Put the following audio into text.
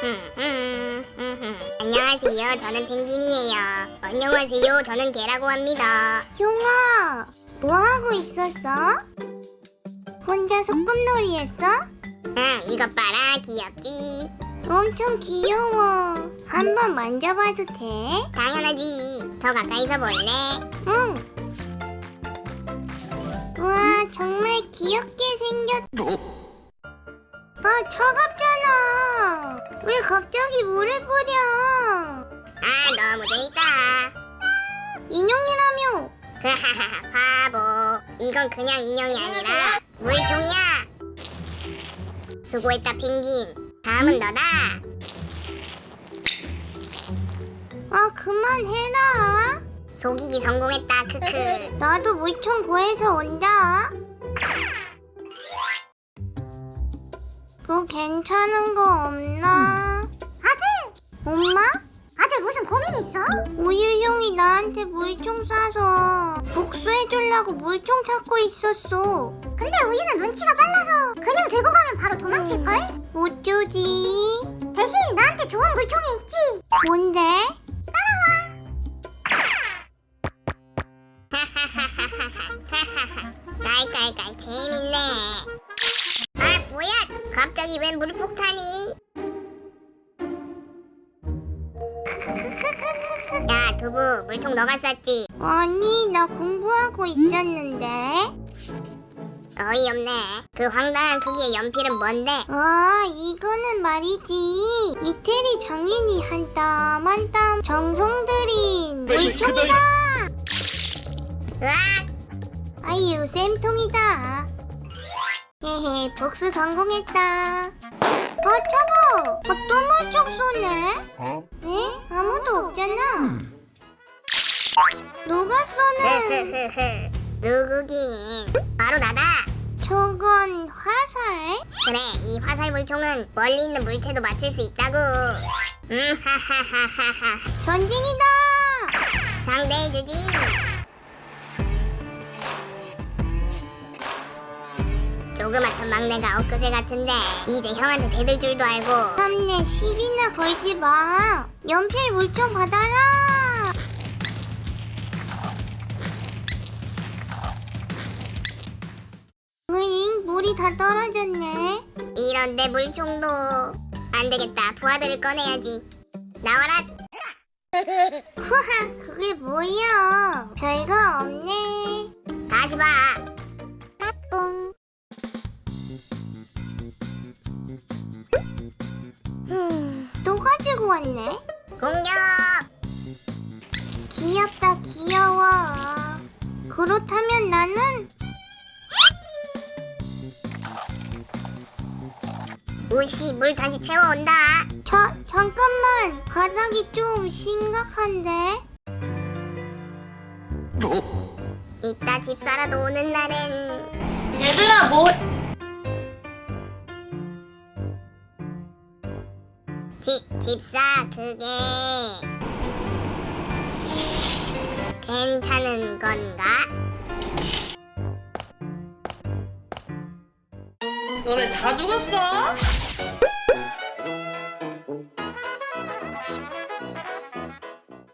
안녕하세요. 저는 펭귄이에요. 안녕하세요. 저는 개라고 합니다. 용아, 뭐하고 있었어? 혼자 소꿉놀이 했어? 응, 이것 봐라. 귀엽지? 엄청 귀여워. 한번 만져봐도 돼? 당연하지. 더 가까이서 볼래? 응. 와, 정말 귀엽게 생겼... 아, 차갑잖아. 왜 갑자기 물을 뿌려? 아, 너무 재밌다. 인형이라며. 하하하, 바보. 이건 그냥 인형이 아니라 물총이야. 수고했다, 펭귄. 다음은 너다. 아, 그만해라. 속이기 성공했다. 크크. 나도 물총 구해서 온다. 뭐 괜찮은 거 없나? 아들! 엄마? 아들 무슨 고민 있어? 우유용이 나한테 물총 쏴서 복수해주려고 물총 찾고 있었어. 근데 우유는 눈치가 빨라서 그냥 들고 가면 바로 도망칠걸? 어쩌지? 대신 나한테 좋은 물총이 있지. 뭔데? 깔깔깔 재밌네. 아, 뭐야? 갑자기 웬 물폭탄이? 야, 두부, 물총 너가 쐈지? 아니, 나 공부하고 있었는데. 어이없네. 그 황당한 크기의 연필은 뭔데? 아, 이거는 말이지. 이태리 장인이 한 땀 한 땀 정성 들인 물총이다. 으악! 아유, 쌤통이다. 헤헤, 복수 성공했다. 아, 차보! 또 물총 쏘네? 에? 아무도 없잖아. 누가 쏘는? 누구긴? 바로 나다. 저건 화살? 그래, 이 화살 물총은 멀리 있는 물체도 맞출 수 있다고. 하하하하하. 전쟁이다! 상대해주지. 조그맣던 막내가 엊그제 같은데 이제 형한테 대들 줄도 알고. 3내 10이나 걸지 마. 연필 물총 받아라. 으잉, 물이 다 떨어졌네. 이런 내 물총도 안 되겠다. 부하들을 꺼내야지. 나와라. 후하, 그게 뭐야? 별거 없네. 다시 봐. 뿡. 또 가지고 왔네. 공격. 귀엽다, 귀여워. 그렇다면 나는 우씨, 물 다시 채워온다. 잠깐만. 바닥이 좀 심각한데. 이따 집사라도 오는 날엔. 얘들아 뭐 집사, 그게 괜찮은 건가? 너네 다 죽었어?